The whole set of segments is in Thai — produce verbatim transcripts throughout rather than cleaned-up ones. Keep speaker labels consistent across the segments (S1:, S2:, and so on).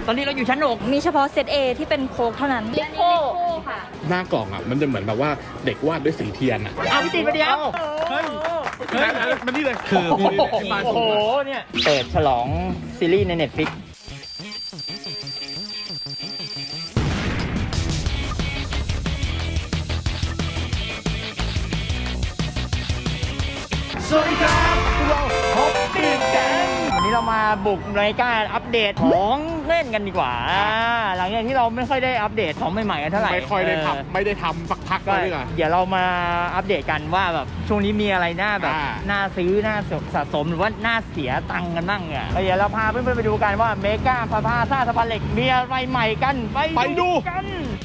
S1: ตอนนี้เราอยู่ชั้นหก
S2: มีเฉพาะเซต A ที่เป็นโค้กเท่านั้นลิโก้ค่ะ
S3: หน้ากล่องอ่ะมันจะเหมือนแบบว่าเด็กวาดด้วยสีเทียนอ่ะ
S1: เอาพี่ติมาเดียว
S3: เฮ้ยมันนี่เลยคือ
S1: โอ้โหเนี่ยเปิดฉลองซีรีส์ใน Netflixสวัสดีครับเราฮอปปี้แก๊งวันนี้เรามาบุกในการอัปเดตของเล่นกันดีกว่าหลังจากที่เราไม่ค่อยได้อัปเดตของใหม่ๆกันเท่าไหร่
S3: ไม่ค่อยได้ทำไม่ได้ทำสักพัก
S1: ก็
S3: เลยอ่ะ
S1: เดี๋ยวเรามาอัปเดตกันว่าแบบช่วงนี้มีอะไรน่าแบบ
S3: อ่า
S1: น่าซื้อน่าสะสมหรือว่าน่าเสียตังค์กันบ้างอ่ะเดี๋ยวเราพาเพื่อนๆไปดูกันว่าเมกาพาพาซาสะพานเหล็กมีอะไรใหม่กันไปดูกัน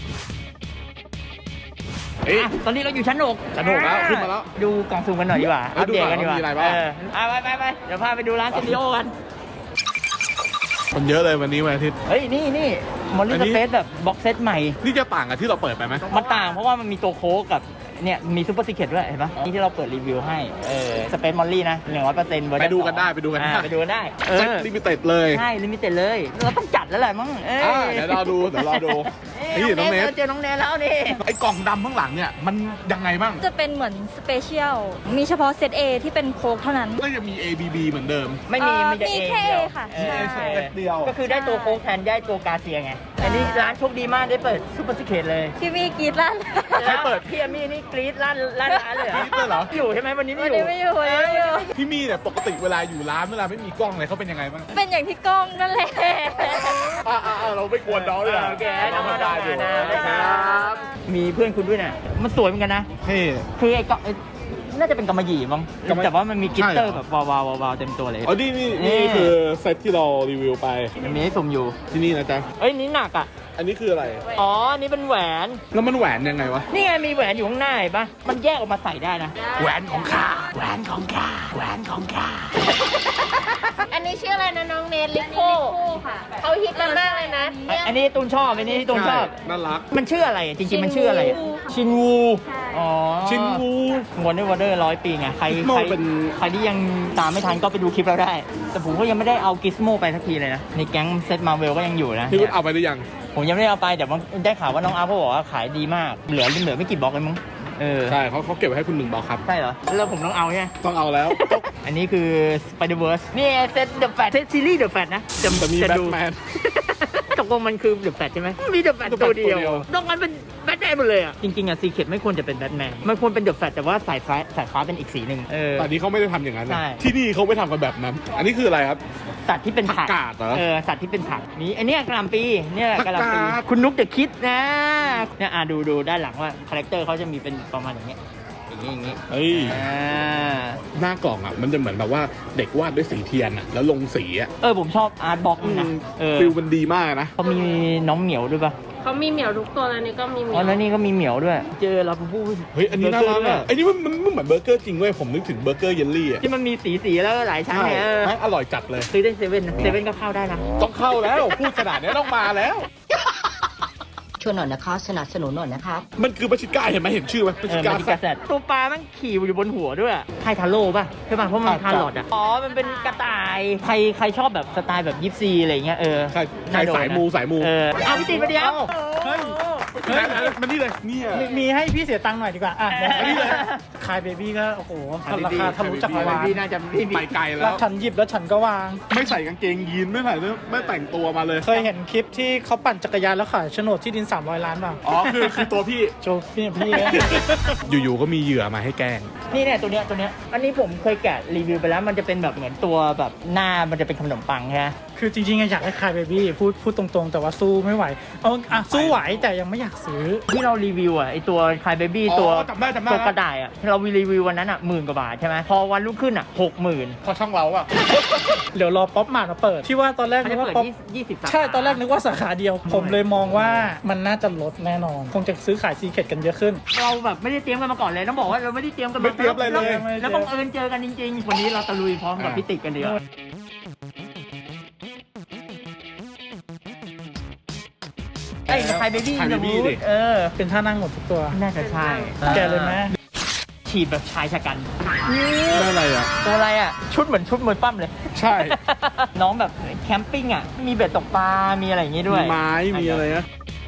S1: ตอนนี้เราอยู่ชั้นหก
S3: ชั้นหกแล้วขึ้นมาแล้ว
S1: ดูกล่องซูมกันหน่อยดีกว่า
S3: เออ
S1: อัปเดตกันดีกว่า
S3: ดูหน่อยว่ามีอะไรบ้าง
S1: เอออ่ะไปไปไปเดี๋ยวพาไปดูร้านสตูดิโอกัน
S3: มันเยอะเลยวันนี้วันอาทิตย์
S1: เฮ้ยนี่นี่มอลลี่
S3: อัน
S1: ส
S3: นี้
S1: เปซแบบบ็อกเซตใหม่
S3: นี่จะต่างกับที่เราเปิดไปไหม
S1: มันต่างเพราะว่ามันมีตัวโค้กกับเนี่ยมีซูเปอร์ซีเคร็ตด้วยเห็นปะนี่ที่เราเปิดรีวิวให้เออสเปซมอลลี่นะหนึ่งร้อยเปอร์เซ็นต์
S3: ไปดูกันได้ไปดูกันได้
S1: ไปดูกันได้เอ
S3: เซ็ต
S1: อ
S3: ลิมิเต็ดเลย
S1: ใช่ลิมิเต็ดเลยเราต้องจัดแล้วแหละมั้งเอ้ย
S3: อ่าเดี๋ยวรอดูเดี๋ยวรอดู
S1: เอ้ย
S3: นี่น้องเนส
S1: เจอน้องเนสแล้วนี่
S3: ไอ้กล่องดำข้างหลังเนี่ยมันยังไงบ้าง
S2: จะเป็นเหมือนสเปเชียลมีเฉพาะเซต A ที่เป็นโค้กเท่านั้น
S3: ก็จะมี A B B เหมือนเดิม
S1: ไม่มี
S2: เอ่อ
S1: มีแต่
S2: มี
S1: เอ
S2: แค่
S1: เดียว
S2: A ค่ะ
S1: เออ
S2: ใช่
S3: เดียว
S1: ก็คือได้ตัวโค้กแทนได้ตัวกาเซียไงอันนี้ร้านโชคดีมากได้เปิดซูเปอร์ซีเคร็ตเลย
S2: พี่มีกรีดลั่น
S3: ใครเปิด
S1: พี่อามี่นี่กรี๊ดลั่นลั่นร้านเลย
S3: กรี๊ดเลยเหรอ
S1: อยู่ใช่ไหมวันนี้ไม่
S2: วัน
S1: อยู่
S2: นี้ไม่อยู่วันนี้ไม่อยู่
S3: พี่มี่เนี่ยปกติเวลาอยู่ร้านเวลาไม่มีกล้องเลยเขาเป็นยังไงบ้าง
S2: เป็นอย่างที่กล้องนั่นแหละ
S3: อ่าเราไม่กวนน้องเลย
S1: โอเค
S3: น้อง
S1: น้อง
S3: ได้
S1: ได้
S3: อยู่
S1: นะ
S3: ค
S1: ค
S3: รั
S1: รับ บมีเพื่อนคุณด้วยเนี่ยมันสวยเหมือนกันนะ
S3: เท่
S1: คือไอ้ก็ไอ้น่าจะเป็นกำมะหยี่มั้ง
S3: กำมะ
S1: แต่ว่ามันมีกลิตเตอร์
S3: ใช่เหร
S1: แบ
S3: อ
S1: บวาวๆวาวๆเต็มตัวเลย
S3: อ๋อนี่นี่
S1: นี่
S3: นี่คือเซตที่เรารีวิวไป
S1: มันมีให้สุ่มอยู่
S3: ที่นี่นะจ๊ะ
S1: เอ้ยนี่หนักอ่ะ
S3: อันนี้คืออะไร
S1: อ๋อนี่เป็นแหวน
S3: แล้วมันแหวนยังไงวะ
S1: นี่ไงมีแหวนอยู่ข้างหน้าเห็นปะมันแยกออกมาใส่ได้นะ
S3: แหวนของข้าแหวนของข้าแหวนของข้า
S4: อันนี้ชื่ออะไรนะน้องเนทลิโก้
S2: ค่ะ
S4: เขาฮิตกันมากเลยนะ
S1: อ่ะอันนี้ตูนชอบอันนี้ตูนชอบ
S3: น่ารัก
S1: มันชื่ออะไรจริงๆมันชื่ออะไรอะชินวู อ๋อ
S3: ชินวู
S1: วันเดอร์วันเดอร์ร้อยปีไง ใคร
S3: Gizmo
S1: ใคร
S3: เป็น
S1: ใครที่ยังตามไม่ทันก็ไปดูคลิปเราได้ แต่ผมก็ยังไม่ได้เอากิสโมไปสักทีเลยนะ ในแก๊งเซตมาเวลก็ยังอยู่นะ
S3: พี่คุณเอาไปหรือยัง
S1: ผมยังไม่ได้เอาไปแต่ว่าได้ข่าวว่าน้องอาร์เขาบอกว่าขายดีมาก เหลือเหลือไม่กี่บล็อกเลยมั้ง เออ
S3: ใช่เขาเขาเก็บไว้ให้คุณหนึ่งบล็อกครับ
S1: ใช่เหรอ แล้วผมต้องเอาใช่ไหม
S3: ต้องเอาแล้ว
S1: อันนี้คือ Spider-Verse นี่เซต The Fat เซตซีรีส์ The Fat นะ
S3: จะมี
S1: จะ
S3: แบ
S1: ดู
S3: ทแมน
S1: ตกลงมันคือ The Fat ใช่ไหมมี The Fat
S3: The Fat
S1: ตัวเดียว
S3: ตัวเดียว
S1: นอกนั้นเป็นแบทแมนหมดเลยอ่ะ จริงๆอ่ะซีเคร็ตไม่ควรจะเป็นแบทแมนมันควรเป็น The Fat แต่ว่าสายฟ้าสายฟ้าเป็นอีกสีหนึ่งเออ
S3: แต่อันนี้เขาไม่ได้ทำอย่างนั้นนะ
S1: ใช่
S3: ที่นี่เขาไม่ทำกันแบบนั้น อันนี้คืออะไรครับ
S1: สัตว์ที่เป็นผัก
S3: ผักกาดเหรอ
S1: เออสัตว์ที่เป็นผักนี่อันเนี้ยกะหล่ำปีเนี่ยกะหล่ำปี
S3: ผักกาด
S1: คุณนุ๊กเดอะคิดนะเนี่ยอ่ะดูดูด้านหลังว่าคาแรคเตอร์เขาจะมีเป็นประมาณอย่างเงี้ยอย่างงี้อย่างงี้
S3: เฮ้ย
S1: อ่า
S3: หน้ากล่องอ่ะมันจะเหมือนแบบว่าเด็กวาดด้วยสีเทียนอ่ะแล้วลงสีอ่ะ
S1: เออผมชอบอาร์ตบ็อกนะเออ
S3: ฟิลมันดีมากนะ
S1: เขามีน้องเหมียวด้วยป่ะ
S4: เขามีเหมียวทุกตัวแล้วนี่ก็มีเหมี
S1: อ๋
S4: ย
S1: อ
S4: ว
S1: แล้วนี่ก็มีเหมียวด้วย เจอลาบูบู
S3: เฮ้ยอันนี้น่ารัก
S1: เบอ
S3: อ่ะ
S1: เกอร์ด้วย
S3: ไอ้นี่มันมันมันเหมือนเบอร์เกอร์จริงเว้ยผมนึกถึงเบอร์เกอร์เยลลี่อ่ะ
S1: ที่มันมีสีสีๆแล้วก็หลายชั้นเนี่ยเออ
S3: แม่งอร่อยจัดเลย
S1: ซื้อได้เซเว่นนะเซเว่นก็เข้าได้นะ
S3: ต้องเข้าแล้วพูดขนาดนี้ต้องมาแล้ว
S5: ช่วยหน่อยนะคะสนับสนุนหน่อยนะครับ
S3: มันคือปาชิก้าเห็นไหมเห็นชื่อไหมปา
S1: เอ
S3: ชิ
S1: อ
S3: ก้า
S1: มันเป็นกระแสตัวปลามันขี่อยู่บนหัวด้วยไททาโร่ป่ะใช่ป่ะเพราะมัน
S3: อ่ะ
S1: ทาร์ลอดอ่ะอ๋อมันเป็นกระต่ายใครใครชอบแบบสไตล์แบบยิปซีอะไรเงี้ยเออ
S3: ใครใคร
S1: น่โดนนะ
S3: สายมูสายมู
S1: เออเอาพี่ติมาเดียว
S3: เฮ้ยมันนี่เลยเนี่ย
S6: มีมีให้พี่เสียตังค์หน่อยดีกว่า อ่ะ
S1: เออ
S6: อันนี้เลยคายเบบี้ก็ โอ้โหราคาทะลุจักรวาล
S1: พี่น่าจะพี่
S3: ไปไกลแล้
S6: แล้ว
S3: ว
S6: ฉันหยิบแล้วฉันก็วาง
S3: ไม่ใส่กางเกงยีนไม่ใส่เนื้อไม่แต่งตัวมาเลย
S6: เคยเห็นคลิปที่เขาปั่นจักรยานแล้วขายโฉนดที่ดิน สามร้อย ล้านป่ะ
S3: อ๋อคือคือตัวพี่
S6: โจพี่พี่
S3: อยู่ๆก็มีเหยื่อมาให้แกล้ง
S1: นี่เนี่ยตัวเนี้ยตัวเนี้ยอันนี้ผมเคยแกะรีวิวไปแล้วมันจะเป็นแบบเหมือนตัวแบบหน้ามันจะเป็นขนมปังใช่ไหม
S6: คือจริงๆอยากให้คายเบบี้พูดพูดตรงๆ แต่ว่าสู้ไม่ไหว เอาอ่ะสู้ไหวแต่ยังไม่อยากซื้อ
S1: ที่เรารีวิวอ่ะไอตัวคายเบบี้
S3: อ๋อ
S1: ตัว
S3: จำได้จำได้
S1: ตัวกระต่ายอ่ะเรารีวิววันนั้นอ่ะหมื่นกว่าบาทใช่ไหมพอวันรุ่งขึ้นอ่ะหกหมื่น
S3: พอช่องเราอะ
S6: เดี๋ยวรอป๊อปมาร์ทมาเปิด ที่ว่าตอนแรก
S1: มัน
S6: นึ
S1: จะ
S6: กว่า
S1: เปิด
S6: ป๊อป
S1: ยี่สิบสาขา
S6: ใช่ตอนแรกนึกว่าสาขาเดียว ผมเลยมองว่ามันน่าจะลดแน่นอน คงจะซื้อขายซีเคร็ตกันเยอะขึ้น
S1: เราแบบไม่ได้เตรียมกันมาก่อนเลยต้องบอกว่าเราไม่ได้เตรียมกัน
S3: ไม่เตรียมอะไรเลย
S1: แล้วแล้วบังเอิญเจอกันจริงๆวันนี้เราตะลุยพร้อมกับพี่ติ๊กกันดีกว่าไอ้คายเบบี้
S3: Cry Baby ดิ
S1: เออ
S6: เป็นท่านั่งหมดทุกตัว
S1: น่าจะใช่
S6: แกะเลยไหม
S5: ช
S1: ฉีดแบบชายชะกัน
S3: ได้อะไรอ่ะ
S1: ตัวอะไรอ่ะ ชุดเหมือนชุดมวยปั้มเลย
S3: ใช่
S1: น้องแบบแคมปิ้งอ่ะ มีเบ็ดตกปลา มีอะไรอย่างงี้ด้วย
S3: มีไม้มีอะไรนะ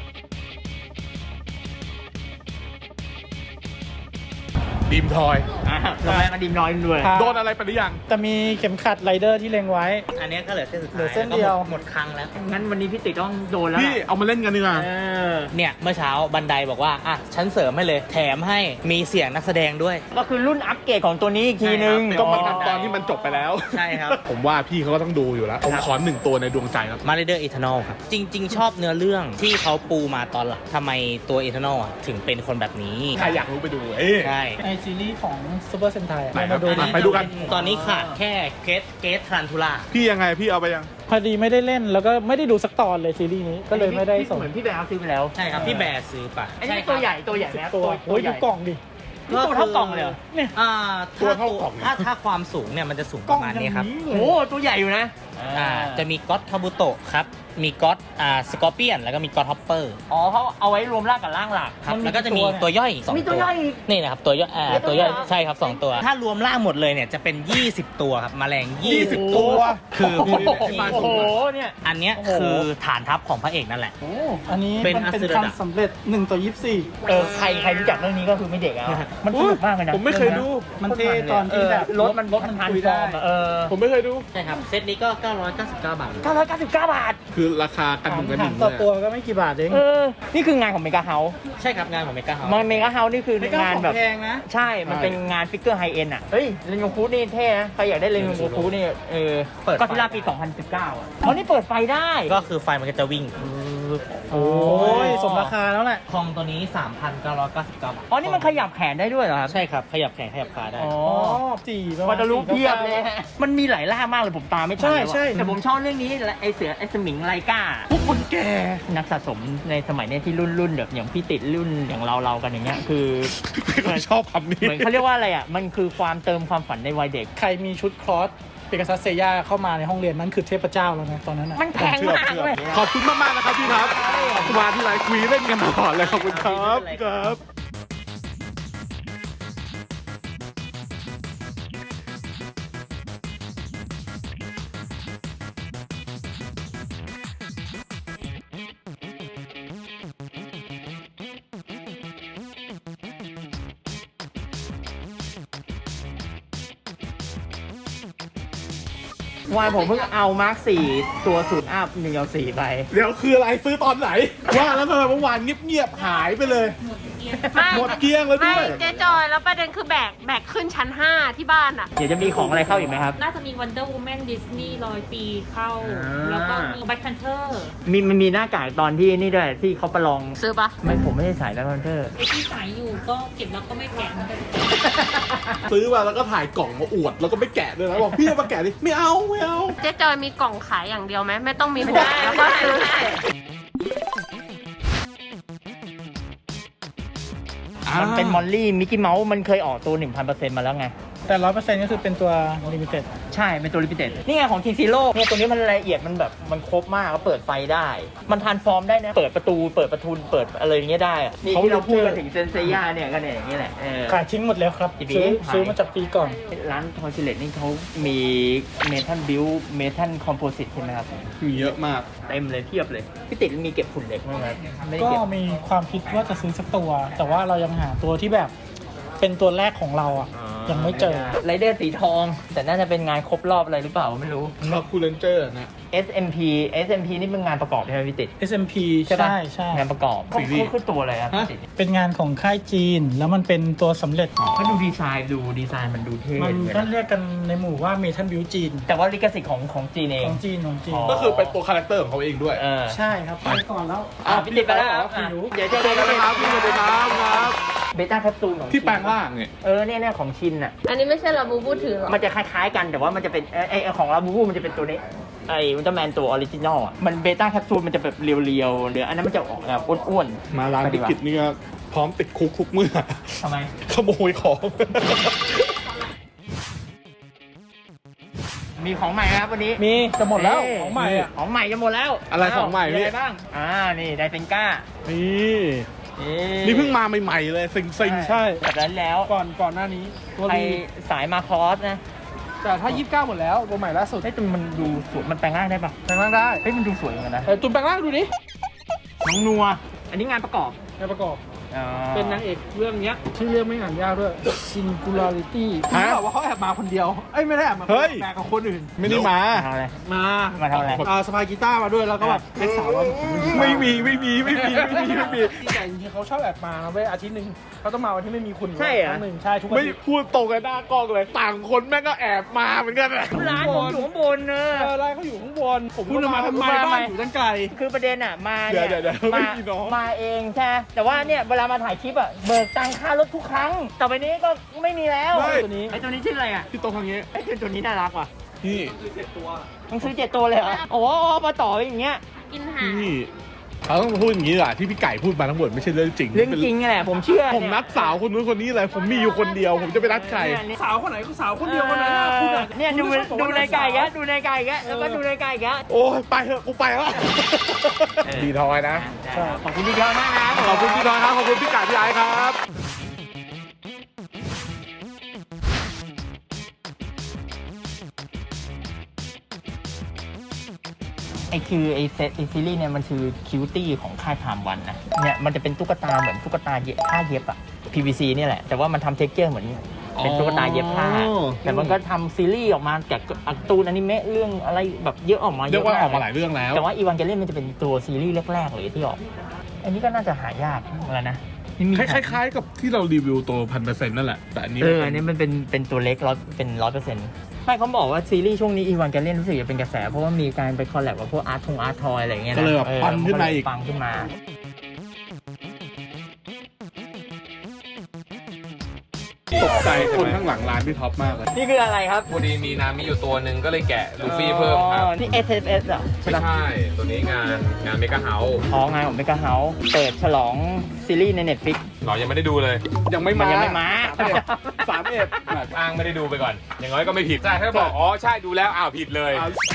S3: ดีมทอย
S1: อ่ะเราแม่มาดีมน้อยด้วย
S6: ครับ
S3: โดนอะไรไปหรือยัง
S6: จะมีเข็มขัดไรเดอร์ที่เล็งไว้
S1: อันนี้ก็เหลือเส้นสุด
S6: เหลื
S1: ท้าย
S6: อเส้นเดียว
S1: แล้ก็หมหมดครั้งแล้ว งั้นวันนี้พี่ติ๊กต้องโดนแล้ว
S3: พี่
S1: ล่ะ
S3: เอามาเล่นกันดีกว่า
S1: เออ
S7: เนี่ยเมื่อเช้าบันไดบอกว่าอ่ะฉันเสริมให้เลย แถมให้มีเสียงนักแสดงด้วย
S1: ก็คือรุ่นอัปเกรดของตัวนี้อีกทีนึง
S3: ก็มันตอนที่มันจบไปแล้ว
S7: ใช่ครับ
S3: ผมว่าพี่เขาก็ต้องดูอยู่แล้ว ผมขอหนึ่งตัวในดวงใจครับ
S7: มา r เดอร์อีเทอร์นอลครับ จริง ๆ ชอบเนื้อเรื่องที่เขาปูมาตอนหลังทำไมตัวอีเทอร์นอลอ่ะถึงเป็นคนแบบนี้
S3: ใครอยากรู้ไปดูเอ้ย
S7: ใช่
S6: ในซีรีส์ของซูเปอร์เซนไท
S3: ไหนครับ
S6: มาดู
S3: อ่ะ
S6: ดิ
S3: ไปดูกัน
S7: ตอนนี้ขาดแค่เกตเกตทรันทูล่า
S3: พี่ยังไงพี่เอาไปยัง
S6: พอดีไม่ได้เล่นแล้วก็ไม่ได้ดูสักตอนเลยซีรีส์นี้ก็เลยไม่ได้ส่ง
S1: เหมือนพี่แบร์ซื้อไปแล้ว
S7: ใช่ครับ พี่แบร์ซื้อไป
S1: อันนี้ตัวใหญ่ตัวใหญ่ไหมครับ
S6: ตัวโอ้ยดูกล่องดิ
S1: นี่ตัวเท่ากล่องเลยเหรอ
S6: เนี่ย
S7: อ่า
S3: ตัว
S7: ถ้า
S3: เท่ากล่อง
S7: ถ้าถ้าความสูงเนี่ยมันจะสูงประมาณนี้ครับ
S1: โอ้โหตัวใหญ่อยู่นะ
S7: อ่าจะมีก็อตคาบุโตะครับ มีก็อตอ่าสกอร์เปียนแล้วก็มีก็อตฮอปเปอร์
S1: อ๋อเขาเอาไว้รวมร่างกับร่างหลัก
S7: ครับ
S1: น
S7: แล้วก็จะมี
S1: กี่
S7: ตัวย่อยสอง
S1: มีตัวย่อยอีก
S7: นี่นะครับตัวย่อยอ่า
S1: มีตั
S7: ตัว ว
S1: ย่
S7: ย่
S1: อ
S7: อย ยใช่ครับสองตัว ถ้ารวมร่างหมดเลยเนี่ยจะเป็นยี่สิบตัวครับแมลงยี่สิบ
S3: ตัว
S7: คือ
S1: โอ้โห
S3: ที่มา
S1: โอ้
S3: สู
S1: โห
S3: งอะ
S1: เนี่ย
S7: อันเนี้ย
S1: โอ้โห
S7: คือฐานทัพของพระเอกนั่นแหละ
S1: โอ้
S6: อันนี้
S7: เป็น
S6: มันเป็น
S7: อัสเดอร์ดับ
S6: คำสำเร็จหนึ่งต่อยี่สิบสี่
S1: เออใครใครรู้จักเรื่องนี้ก็คือไม่เด็กแล้วมันสนุกมากเลยนะ
S3: ผมไม่เคยดู
S6: มันเท่ตอนที่แบบ
S1: รถมันรถมันพัน
S6: คุย
S1: ฟ
S6: ได้
S1: อร์มอะเออ
S3: ผมไม่เคยดู
S7: ใช่ครับ เซตนี้ก็เก้าร้อยเก้าสิบเก้าบาท
S1: เก้าร้อยเก้าสิบเก้าบาท
S3: คือราคากันหนึ่งกันห
S6: ถา
S3: นึ่
S6: ม
S3: ง
S6: ต่อ
S3: เลย
S6: ตัว
S3: อะ
S6: ก็ไม่กี่บาทเอง
S1: เออ นี่คืองานของเมกาเฮาส์
S7: ใช่ครับงานของเมกาเฮา
S1: มันเมกาเฮาส์นี่คือ
S6: ไม่กล้าง
S1: าน
S6: ของ
S1: แบบ
S6: แพงนะ
S1: ใช่ มันเป็นงานฟิกเกอร์ไฮเอ็นอ่ะ เฮ้ยเรนโกคูนี่เท่นะ ใครอยากได้เรนโกคูนี่ เออก็ที่ล่าปี สองพันสิบเก้า อ่ะอ๋อนี่เปิดไฟได้
S7: ก็คือไฟมันก็จะวิ่ง
S6: โอ้ยสมราคาแล้วแหละ
S7: คอมตัวนี้ สามพันเก้าร้อยเก้าสิบเก้า บาท
S1: อ๋อ นี่มันขยับแขนได้ด้วยเหรอครับ
S7: ใช่ครับ ขยับแขนขยับขาได้
S1: อ๋อ
S6: อ๋อสี่ประมา
S1: วั
S6: ณ
S1: ตลุเพียบ
S6: สี่
S1: เลยฮะมันมีหลายล่ามากเลยผมตามไม่ทัน
S6: ใช่
S1: แล้วอะ
S6: ใช่
S1: แต่ผมชอบเรื่องนี้ไอเสือไอสมิงไลกาพวกคนแก่นักสะสมในสมัยเนี้ยที่รุ่นรุ่นแบบอย่างพี่ติดรุ่นอย่างเราเรากันอย่างเงี้ยคือ
S3: ผมชอบคำนี้
S1: เหมือนเขาเรียกว่าอะไรอ่ะมันคือความเติมความฝันในวัยเด็ก
S6: ใครมีชุดคลอสเปกัสซัสเซย่าเข้ามาในห้องเรียนนั่นคือเทพเจ้าแล้วนะตอนนั้นนะ
S1: มันแพงมากเลย
S3: ขอบคุณมากมากๆนะครับพี่ครับมาที่ไลฟ์คุยเล่นกันตลอดเลยขอบคุณครับครับ
S1: วายผมเพิ่งเอามาร์คสี่ตัวสูตรอัพหนึ่งเอาสี่ไป
S3: เดี๋ยวคืออะไรซื้อตอนไหน ว่าแล้วทำไมเมื่อวานเงียบๆหายไปเลย
S4: ไม่
S3: หมดเกลี้ยงแล้ว
S4: ไม่
S3: ด้วย
S4: เจ๊จอยแล้วประเด็นคือแบกแบกขึ้นชั้นห้าที่บ้านอ่ะ
S1: เดี๋ยวจะมีของอะไรเข้าอีกไหมครับ
S2: น่าจะมี Wonder Woman Disney ร้อยปีเข้า
S1: อ่า
S2: แล้วก็มี Black Panther
S1: มีมันมีหน้ากากตอนที่นี่ด้วยที่เขาประลอง
S4: ซื้อปะ
S1: ไม่ผมไม่ได้ใส่แล้วคอนเทอร์
S2: ไอที่สายอยู่ก็เก็บแล้วก็ไม่แกะมันก็
S3: ซื้อมาแล้วก็ถ่ายกล่องมาอวดแล้วก็ไม่แกะด้วยนะบอกพี่เอามาแกะดิไม่เอาไม่เอา
S4: เจ๊จอยมีกล่องขายอย่างเดียวไหมไม่ต้องมีหัวแล้วก็ซื้อ
S1: มันเป็นมอลลี่มิกกี้เมาส์มันเคยออกตัว หนึ่งพันเปอร์เซ็นต์ มาแล้วไง
S6: แต่ร้อยเปอร์เซ็นต์ก็คือเป็นตัวลิมิเต็ด
S1: ใช่ เป็นตัวลิมิเต็ดนี่ไงของทีซีโร่เนี่ยตัวนี้มันละเอียดมันแบบมันครบมากก็เปิดไฟได้ มันทรานส์ฟอร์มได้นะ เปิดประตูเปิดประทุนเปิดอะไรอย่างเงี้ยได้อะนี่ที่เราพูดกันถึงเซนเซียเนี่ยก็เนี่ยอย่างนี้แหละเออ
S6: ขายทิ้งหมดแล้วครับ
S1: อีบี
S6: ซื้อ
S1: ขาย
S6: ซื้อมาจากปีก่อน
S1: ร้านทอยซิเลตนี่เขามีเมทัลบิวเมทัลคอมโพสิตใช่ไหมครับ
S3: มีเยอะมาก
S1: เต็มเลยเทียบเลยพี่ติดมีเก็บฝุ่นเหล็กไหมครับไม่ได้
S6: ก็
S1: เก็บ
S6: มีความคิดว่าจะซื้อสักตัว แต่ว่าเรายังหาตัวที่แบบเป็นตัวแรกของเราอ่ะ ยังไม่เจอ
S1: ไรเดอร์สีทอง แต่น่าจะเป็นงานครบรอบอะไรหรือเปล่าไม่รู้
S3: ชอบคูลเลนเจอร์นะ
S1: เอส เอ็ม พี เอส เอ็ม พี นี่เป็นงานประกอบใช่ไหมพี่ติด
S6: เอส เอ็ม พี
S1: ใช่ปะ
S6: ใช่ใช่
S1: งานประกอบ
S3: ซีรีส์
S1: เขาคือตัวอะไรครับพี่ติด
S6: เป็นงานของค่ายจีน แล้วมันเป็นตัวสำเร็จ
S1: เขาดูดีไซน์ดูดีไซน์มันดูเท่
S6: มัน
S1: เหมือน
S6: ก็
S1: กัน
S6: เรียกกันในหมู่ว่าเมทัลบิวจีน
S1: แต่ว่าลิขสิทธิ์ของของจีนเอง
S6: ของจีนของจีน
S1: อ๋อ
S3: ก็คือเป็นตัวคาแรคเตอร์ของเขาเองด้วย
S1: เออ
S6: ใช่ครับไปก่อนแล้ว
S1: อ่ะพี่ติดไปแล้วครับ
S6: พี่รู้
S1: เดี๋ยวเจอ
S3: เจ
S1: กั
S3: อน กันนะครับพี่สวัสดีครับครับ
S1: เบต้าแคปซูลของ
S3: ที่แปลงร่างเนี่ย
S1: เออเนี่ยเนี่ยของชินอ่ะ
S4: อันนี้ไม่ใช่ลาบูบูถือหรอ
S1: มันจะคล้ายๆกันแต่ว่ามันจะเป็นไอ้ไอ้ของลาบูบูมันจะเป็นตัวนี้ไอ้อุลตร้าแมนตัวออริจินอลอ่ะมันเบต้าแคปซูลมันจะแบบเรียวๆหรืออันนั้นมันจะออกแบบอ้วนๆ
S3: มาร้าน
S1: ไป
S3: ธุ
S1: ดี
S3: ร
S1: กว่า
S3: กิจนี่ก็พร้อมติดคุกทุกเมื่อ
S1: ทำไม
S3: ขโมยของ
S1: มีของใหม่ครับวันนี้
S6: มีจะหมดแล้ว
S1: เย
S6: ของใหม่อ่ะ
S1: ของใหม่จะหมดแล้ว
S3: อะไรของใหม่
S1: มี
S3: พี่
S1: อะไรบ้างอ่านี่ไดเซนก้า
S3: นี่นี่เพิ่งมาใหม่ๆเลยซิงซิง
S6: ใช่
S1: แบบนั้นแล้ว
S6: ก่อนก่อนหน้านี้ตัว
S1: ใคร
S6: รี
S1: สายมาคอสนะ
S6: แต่ถ้ายี่สิบเก้าหมดแล้วตัวใหม่ล่าสุด
S1: เฮ้ยแต่มันดูสวยมันแปลงร่างได้ปะ
S6: แปลงร่างได้
S1: เฮ้ยมันดูสวยเหมือนกันนะ
S6: เออตุนแปลงร่างดูดิ
S1: น้องนัว อันนี้งานประกอบ
S6: งานประกอบ
S1: อ๋อ
S6: เป็นนางเอกเรื่องเนี้ยชื่อเรื่องไม่อ่านยากด้วย Singularity คือบอกว่าเขาแอบมาคนเดียวเอ้ยไม่ได้แอบมาแอบกับคนอื่น
S3: ไม่ได้มา
S1: ทำอะไร
S6: มา
S1: มาทำอะไร
S6: อ่าสปายกีตาร์มาด้วยแล้วก็แบบเป็นสาวว่า
S3: ไม่มีไม่มีไม่มีไม่มีไม่มี
S6: แต่จริงๆเขาชอบแอบมาเว้ยอาทิตย์หนึ่งเขาต้องมาวันที่ไม่มีคุณ
S1: ใช่เหรอ
S6: ครั้งหนึ่งใช่ทุกอา
S3: ไม่
S6: ทิตย์
S3: พูดตรงกันหน้ากล้องเลย ต่างคนแม่งก็แอบมาเหมือนกันอะ
S1: ร้านผมอยู่ข้างบนเน
S6: เอ
S1: อะ
S6: อไล่เขาอยู่ข้างบนผม
S3: คุณจะมาทำไม
S6: บ้านอยู่ตั้งไกล
S1: คือประเด็นอ่ะมา
S3: เดี๋
S1: เนี่ย
S3: วย เดี๋ยวเดี๋ยวไม่
S1: มา
S3: มีน้อง
S1: มาเองใช่ไหมแต่ว่าเนี่ยเวลามาถ่ายคลิปอ่ะเบิกตังค่ารถทุกครั้ง ต่อไปนี้ก็ไม่มีแล้ว
S3: ไม่
S6: ตัวนี้
S1: ไอ้ตัวนี้ชื่ออะไรอ่ะ
S3: พี่โตทางนี้
S1: ไอ้ตัวนี้น่ารักว่ะ
S3: นี่
S1: ต้องซื้อเจ็ดตัวเลยเหรอโอ้โหมาต่ออย่างเงี้ย
S4: กินหาง
S3: นี่เขาต้องพูดอย่างนี้แหละที่พี่ไก่พูดมาทั้งหมดไม่ใช่เรื่องจริง
S1: เรื่องจริงนี่แหละผมเชื่อ
S3: ผมนัดสาวคนนู้นคนนี้เลยผมมีอยู่คนเดียว ผมจะไปนัดใคร
S1: เนี่ย
S6: สาวคนไหนก็สาวคนเดียวคนนั้นนะคุณอะ
S1: เนี่ยดู
S6: คุณไม่ชอบบอก
S1: ดู
S6: ว่า
S1: ในไก่แก
S6: สาว
S1: ดูในไก่แกแล้วก็ดูในไก่แก
S3: โอ้ยไปเถอะกูไปแล้วดีทอยนะ
S1: ใช่ขอบคุณพี่เจ้ามากนะ
S3: ขอบคุณพี่ทอยครับขอบคุณพี่ไก่พี่ไอ้ครับ
S1: ไอคือไอเซตไอซีรีส์เนี่ยมันคือคิวตี้ของค่ายไทม์วันนะเนี่ยมันจะเป็นตุ๊กตาเหมือนตุ๊กตาเย็บผ้าเย็บอะ พี วี ซี เนี่ยแหละ แต่ว่ามันทำเท็กเจอร์เหมือนเป็นตุ๊กตาเย็บผ้า
S3: อ๋อ
S1: แต่มันก็ทำซีรีส์ออกมาจากการ์ตูนอนิเมะเรื่องอะไรแบบเยอะออกมา
S3: เรียกว่าออกมาห
S1: เล
S3: ลายเรื่องแล้ว
S1: แต่ว่าอีวานเกเลียนมันจะเป็นตัวซีรีส์แรกๆเลยที่ออก อันนี้ก็น่าจะหายากแล้วนะนี่มี
S3: คล้ายๆกับที่เรารีวิวตัวพันเปอร์เซ็นต์นั่นแหละแต่อันนี้
S1: เอออันนี้มันเป็นเป็นตัวเล็กร้อยเป็นร้อยเปอร์เซ็นต์ไม่เขาบอกว่าซีรีส์ช่วงนี้อีวานเกเลียนรู้สึกจะเป็นกระแสเพราะว่ามีการไปคอลแลบกับพวกอาร์ทงอาร์ทอยอะไรอย่างเงี้ยนะ
S3: ก็เลยแบบปังขึ้นมาอีก
S1: ปังขึ้นมา
S3: ตกใจคนข้างหลังร้านพี่ท็อปมากเลย
S1: นี่คืออะไรครับ
S8: พอดีมีนามิอยู่ตัวหนึ่งก็เลยแกะลูฟี่เพิ่มครับ
S1: อ๋อนี่ เอส เอฟ เอส เหรอใช่
S8: ไม่
S1: ปะ
S8: ใช่ ตัวนี้งานงานเมกะเฮาส์
S1: อ๋องานของเมกาเฮาส์เปิดฉลองซีรีส์ใน Netflix
S8: เรายังไม่ได้ดูเลย
S3: ยังไม่
S1: มัน
S3: มา
S1: ยังไม่มา
S3: สามเอ็ด
S8: อ้างไม่ได้ดูไปก่อน อย่างน้อยก็ไม่ผิด ใช่ถ้าบอก อ๋อ ใช่ดูแล้ว อ้าว ผิดเลย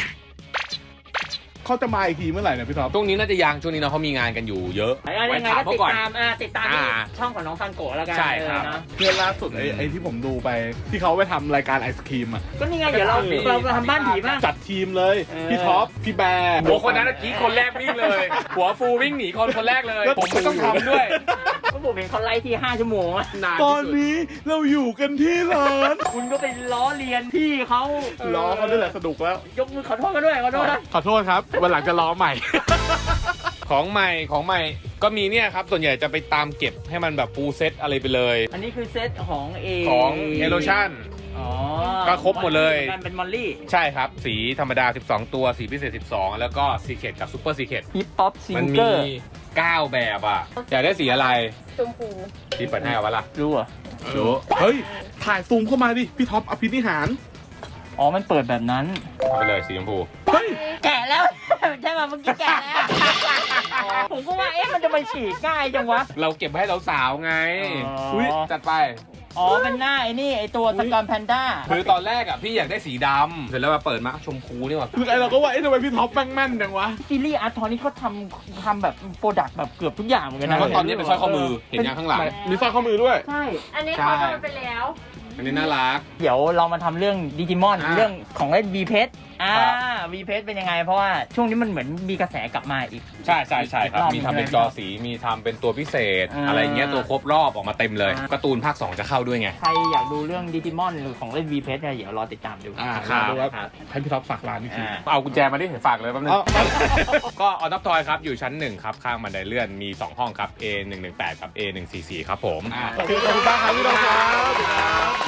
S3: เขาจะมาอีกทีเมื่อไหร่เนี่ยพี่ท็อป
S8: ช่วงนี้น่าจะยัง ช่วงนี้เนาะเขามีงานกันอยู่เยอะ
S1: ไอ้ยังไง
S8: ถาม
S1: ก็
S8: เขา
S1: ติด
S8: ก่อน
S1: ตามอ่าติดตามที่
S8: อ่า
S1: ช่องของน้องซันโกะแล้วกัน
S8: ใช่ครับ
S1: เออเนอะ
S3: เพื่อนล่าสุดไอ้ไอ้ที่ผมดูไป ที่เขาไปทำรายการไอศครีมอ่ะ
S1: ก็นี่ไงเดี๋ยวเรา
S8: มี
S1: เราเราทำบ้านผีบ้าง
S3: จัดทีมเลย
S1: เออ
S3: พี่ท็อป พี่แบร์
S8: หัวคนนั้นเมื่อกี้คนแรกวิ่งเลย หัวฟูวิ่งหนีคนคนแรกเลย
S3: แล้ว
S8: ผมไม่ต้องทำด้วย
S1: ก็ผมเห็นเขาไล่ที่ห้าชั่วโมงอะ
S8: นาน
S3: ต
S8: ที่
S3: อน
S8: สุด
S3: นี้เราอยู่กันที่ร้าน
S1: คุณก็ไปล้อเลียนพี่เขา
S3: ล้อเขาด้วยแหละสนุกแล้ว
S1: ยกมือขอโทษกันด้วยขอโทษนะ
S3: ขอโทษครับ วันหลังจะล้อใหม่
S8: ของใหม่ ของใหม่ ก็มีเนี่ยครับ ส่วนใหญ่จะไปตามเก็บให้มันแบบฟูลเซตอะไรไปเลย
S1: อันนี้คือเซตของเอ
S8: ของเอโลชั่น
S1: อ๋อ
S8: ก็ครบหมดเลย
S1: มันเป็นมอลลี่
S8: ใช่ครับ สีธรรมดา สิบสอง ตัว สีพิเศษ สิบสอง แล้วก็ซีเค e กับซูเปอร์ซีเค e
S1: ฮิปฮอปซิ
S8: มัน
S1: งเก
S8: มี
S1: อร์
S8: เก้าแบบอ่ะ อยากได้สีอะไร
S4: ชมพู
S8: ที่เปิดให้เอาวะล่ะ
S1: รู้เหรอ
S8: รู้
S3: เฮ้ย ถ่ายซูมเข้ามาดิ พี่ท็อปอภินิหาร
S1: อ๋อมันเปิดแบบนั้น
S8: เอาไปเลยสีชมพู
S3: เฮ้ย
S1: แกะแล้ว ใช่ป่ะเมื่อกี้แกะแล้ว ผมก็ว่าเอ๊ะมันจะมาฉีกง่ายจังวะ
S8: เราเก็บไว้ให้เราสาวๆไง
S1: อ๋อ
S8: จัดไป
S1: อ๋อเป็นหน้าไอ้นี่ไอ้ตัวสกอร์แพนด้า
S8: คือตอนแรกอ่ะพี่อยากได้สีดำเสร็จแล้วมาเปิดมาชมพูนี่หว่า
S3: คือไอเราก็ว่าไอ้ทำไมพี่ท็อปแม่งแม่นจังวะ
S1: ซีรีส์อาร์ทอนนี่เขาทำทำแบบโปรดักต์แบบเกือบทุกอย่างเหมือนกันนะ
S8: เพราะตอนนี้เป็นสร้อยข้อมือ เห็นยังข้างหลัง
S3: มีสร้อยข้อมือด้วย
S1: ใช่
S4: อันนี้
S8: ใช่
S4: เขาโดนไปแล้ว
S8: อันนี้น่ารัก
S1: เดี๋ยวเรามาทำเรื่องดิจิมอน
S8: อ่า
S1: เรื่องของเล่น V เพชรอ่า
S8: ครับ
S1: V เพชรเป็นยังไง เพราะว่าช่วงนี้มันเหมือนมีกระแสกลับมาอีก
S8: ใช่ใช่ใช่ครับ
S1: อีกรอบ
S8: มีทำเป็นจอสี มีทำเป็นตัวพิเศษ
S1: อ่า
S8: อะไรเงี้ย ตัวครบรอบออกมาเต็มเลย
S1: อ่า
S8: การ์ตูนภาคสองจะเข้าด้วยไง
S1: ใครอยากดูเรื่องดิจิมอนหรือของเล่น V เพชรเนี่ยเดี๋ยวรอติดตามดู
S3: อ่า
S8: ครับ
S3: ดูว่าให้พี่ท็อปฝากร้านนี่คือ
S1: อ่า
S8: เอากุญแจมาดิฝากเลยแป๊บนึง
S3: เอา
S8: ก็ออนับทอยครับ อยู่ชั้นหนึ่งครับ ข้างบันไดเลื่อน มีสองห้องครับ เอ หนึ่งหนึ่งแปด กับ เอ หนึ่งสี่สี่ ครับผม
S3: โอเคขอบคุณมากครับพี่ท็อปครับ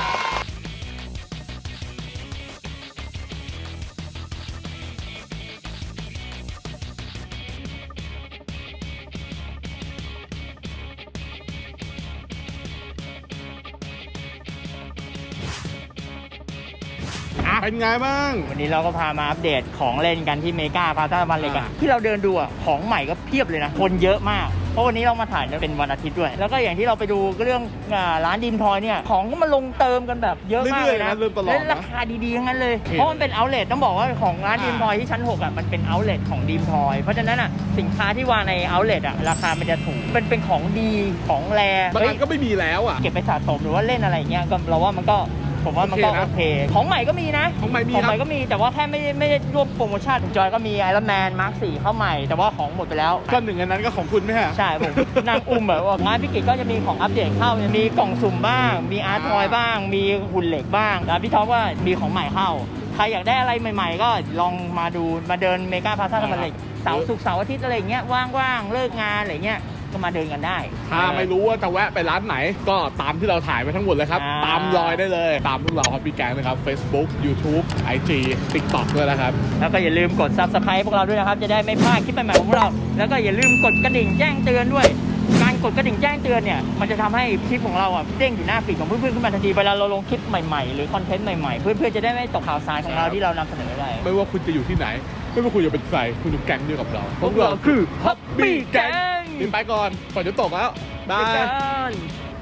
S3: เป็นไงบ้าง
S1: วันนี้เราก็พามาอัปเดตของเล่นกันที่เมกาพาซาบันเล็กอะที่เราเดินดูอะของใหม่ก็เพียบเลยนะ คนเยอะมากเพราะวันนี้เรามาถ่ายเป็นวันอาทิตย์ด้วย แล้วก็อย่างที่เราไปดูเรื่องอ่าร้านดีมทอยเนี่ยของก็มาลงเติมกันแบบเยอะมากเลยนะ
S3: เรื่อยๆนะเริ่มตลอดนะ
S1: และราคาดีๆทั้งนั้นเลย เพราะมันเป็นเอาท์เลทต้องบอกว่าของร้านดีมทอยที่ชั้นหกอ่ะมันเป็นเอาท์เลทของดีมทอยเพราะฉะนั้นอ่ะสินค้าที่วางในเอาท์เลทอ่ะราคามันจะถูกเป็นเป็นของดีของแร
S3: บาง
S1: เฮ้
S3: อั
S1: ย
S3: นก็ไม่มีแล้วอ่ะ
S1: เก็บไปสะสมหรือว่าเล่นอะไรอย่างเงี้ยก็เราว่ามันก็ผมว่ามันก็
S3: โอเคนะ
S1: โอเค ของใหม่ก็มีนะ
S3: ของใหม่มี
S1: ของ
S3: ค
S1: ให
S3: รั
S1: ม่
S3: บ
S1: ก็มีแต่ว่าแค่ไม่ได้ไม่ได้ร่วมโปรโมชั่นจอยก็มีไอรอนแมนมาร์คสี่เข้าใหม่ แต่ว่าของหมดไปแล้ว
S3: ก็หนึ่งอันนั้นก็ของคุณไหมฮะ
S1: ใช่ผม นั่งอุ้มแบบว่างานพิกิจก็จะมีของอัปเดตเข้ามีกล่องสุ่มบ้าง มีอาร์ตทอยบ้าง มีหุ่นเหล็กบ้างแล้วพี่ท็อปว่ามีของใหม่เข้าใครอยากได้อะไรใหม่ ๆ ก็ลองมาดูมาเดินเมกาพาซ่าธรรมเหล็กเสาร์ศุกร์เสาร์อาทิตย์อะไรอย่างเงี้ยว่างๆเลิกงานอะไรเงี้ยก็มาเดินกันได้
S3: ถ้าไม่รู้ว่าจะแวะไปร้านไหน ก็ตามที่เราถ่ายไปทั้งหมดเลยครับ
S1: อ่า
S3: ตามรอยได้เลย ตามพวกเราครับพี่แกงนะครับ Facebook YouTube ไอ จี TikTok ด้วยนะครับ
S1: แล้วก็อย่าลืมกด ซับสไครบ์ พวกเราด้วยนะครับ จะได้ไม่พลาดคลิปใหม่ๆของพวกเรา แล้วก็อย่าลืมกดกระดิ่งแจ้งเตือนด้วย การกดกระดิ่งแจ้งเตือนเนี่ย มันจะทำให้คลิปของเราอ่ะเด้งอยู่หน้าฟีดของเพื่อนๆขึ้นมาทันที เวลาเราลงคลิปใหม่ๆ หรือคอนเทนต์ใหม่ๆ เพื่อนๆจะได้ไม่ตกข่าวสารของเราที่เรานำเสนอได้
S3: ไม่ว่าคุณจะอยู่ที่ไหน ไม่ว่าคุณจะเป็นใคร คุณอยู่แก๊งเดียวกับเรา
S1: พวกเราคือ Hobby Gang
S3: นี่ไปก่อนฝนจะตกแล้วบา
S1: ไป
S3: ย
S1: กัน